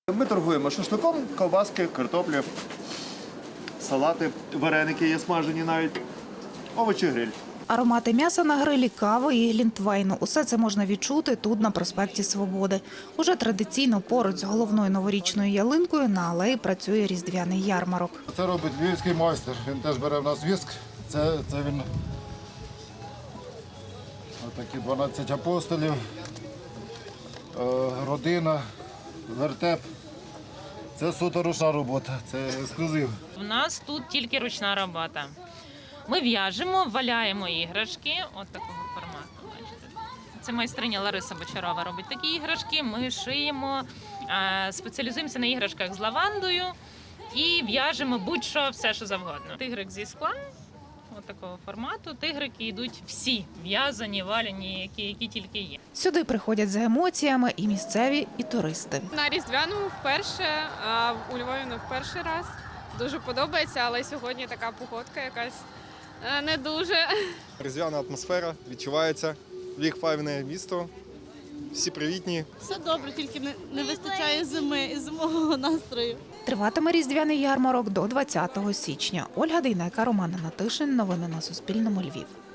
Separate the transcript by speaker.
Speaker 1: Ми торгуємо шашликом, ковбаски, картоплі, салати, вареники є смажені навіть, овочі, гриль.
Speaker 2: Аромати м'яса на грилі, кави і глінтвейну – усе це можна відчути тут, на проспекті Свободи. Уже традиційно поруч з головною новорічною ялинкою на алеї працює різдвяний ярмарок.
Speaker 3: Це робить львівський майстер. Він теж бере в нас віск. Це він такі 12 апостолів, родина, вертеп. Це суто ручна робота, це ексклюзив.
Speaker 4: У нас тут тільки ручна робота. Ми в'яжемо, валяємо іграшки, от такого формату. Бачите. Це майстриня Лариса Бочарова робить такі іграшки. Ми шиємо, спеціалізуємося на іграшках з лавандою і в'яжемо будь-що, все, що завгодно. Тигрик зі скла, от такого формату. Тигрики йдуть всі в'язані, валяні, які тільки є.
Speaker 2: Сюди приходять за емоціями і місцеві, і туристи.
Speaker 5: На Різдвяному вперше, а у Львові не в перший раз. Дуже подобається, але сьогодні така погодка якась не дуже.
Speaker 6: Різдвяна атмосфера відчувається. Львів – файне місто, всі привітні.
Speaker 7: Все добре, тільки не вистачає зими і зимового настрою.
Speaker 2: Триватиме різдвяний ярмарок до 20 січня. Ольга Дейнека, Роман Натишин. Новини на Суспільному. Львів.